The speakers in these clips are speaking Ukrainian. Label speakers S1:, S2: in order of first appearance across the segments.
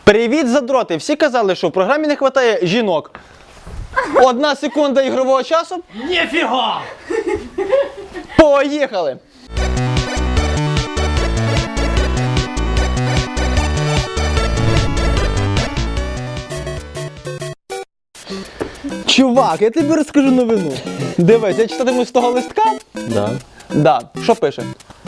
S1: Привіт, задроти! Всі казали, що в програмі не вистачає жінок. 1 секунда ігрового часу.
S2: Ніфіга!
S1: Поїхали! Чувак, я тобі розкажу новину. Дивись, я читатиму з того листка.
S2: Да.
S1: Да, що пише?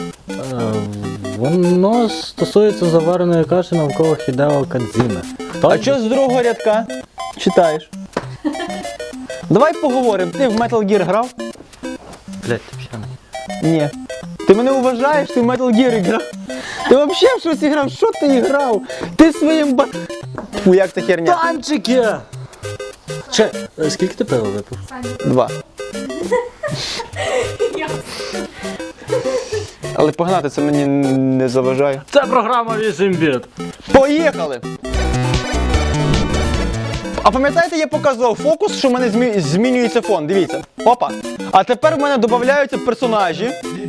S2: Воно стосується завареної каші навколо Хідео Кадзіме.
S1: А що з другого рядка читаєш? Давай поговоримо. Ти в Metal Gear грав?
S2: Блять, ти п'яний.
S1: Ні. Ти мене вважаєш, ти в Metal Gear грав? Ти взагалі в щось грав? Що ти грав? Ти своїм Фу, як це херня?
S2: Танчики! Скільки ти пива випив?
S1: 2. Але погнати це мені не заважає.
S2: Це програма 8 біт.
S1: Поїхали! А пам'ятаєте, я показував фокус, що в мене змінюється фон, дивіться. Опа. А тепер в мене додаються персонажі.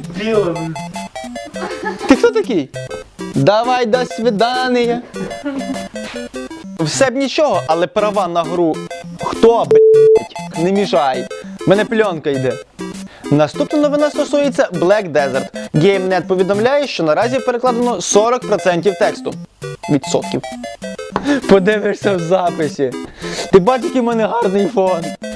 S1: Ти хто такий? Давай, до свидання. Все б нічого, але права на гру. Хто, блять, не мішай. В мене пленка йде. Наступна новина стосується Black Desert. GameNet повідомляє, що наразі перекладено 40% тексту. Відсотків. Подивишся в записі. Ти бачиш, який в мене гарний фон.